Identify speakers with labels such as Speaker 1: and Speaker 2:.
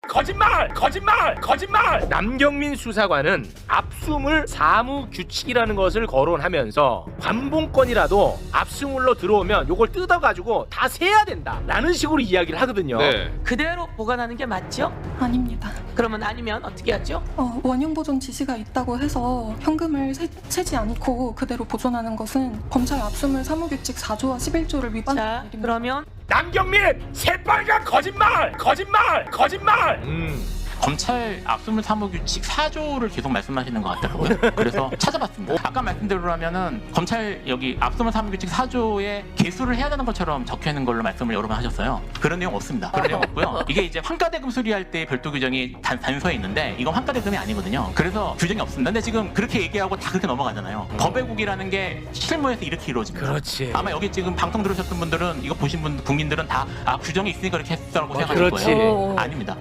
Speaker 1: 거짓말. 남경민 수사관은 압수물 사무 규칙이라는 것을 거론하면서 관봉권이라도 압수물로 들어오면 요걸 뜯어가지고 다 세야 된다라는 식으로 이야기를 하거든요.
Speaker 2: 네.
Speaker 3: 그대로 보관하는 게 맞죠?
Speaker 4: 아닙니다.
Speaker 3: 그러면 아니면 어떻게 하죠?
Speaker 4: 원형 보존 지시가 있다고 해서 현금을 세지 않고 그대로 보존하는 것은 검찰 압수물 사무규칙 4조와 11조를
Speaker 3: 자,
Speaker 4: 위반하는 일입니다.
Speaker 3: 그러면
Speaker 1: 남경민 새빨간 거짓말.
Speaker 5: 검찰 압수물 사무규칙 4조를 계속 말씀하시는 것 같더라고요. 그래서 찾아봤습니다. 아까 말씀대로라면은 검찰 여기 압수물 사무규칙 4조에 개수를 해야 되는 것처럼 적혀 있는 걸로 말씀을 여러 번 하셨어요. 그런 내용 없습니다. 그런 내용 없고요. 이게 이제 환가대금 수리할 때 별도 규정이 단서에 있는데 이건 환가대금이 아니거든요. 그래서 규정이 없습니다. 근데 지금 그렇게 얘기하고 다 그렇게 넘어가잖아요. 법외국이라는 게 실무에서 이렇게 이루어집니다.
Speaker 1: 그렇지.
Speaker 5: 아마 여기 지금 방송 들으셨던 분들은 이거 보신 국민들은 다 규정이 있으니까 이렇게 했다고 생각하실
Speaker 1: 그렇지.
Speaker 5: 거예요. 아닙니다.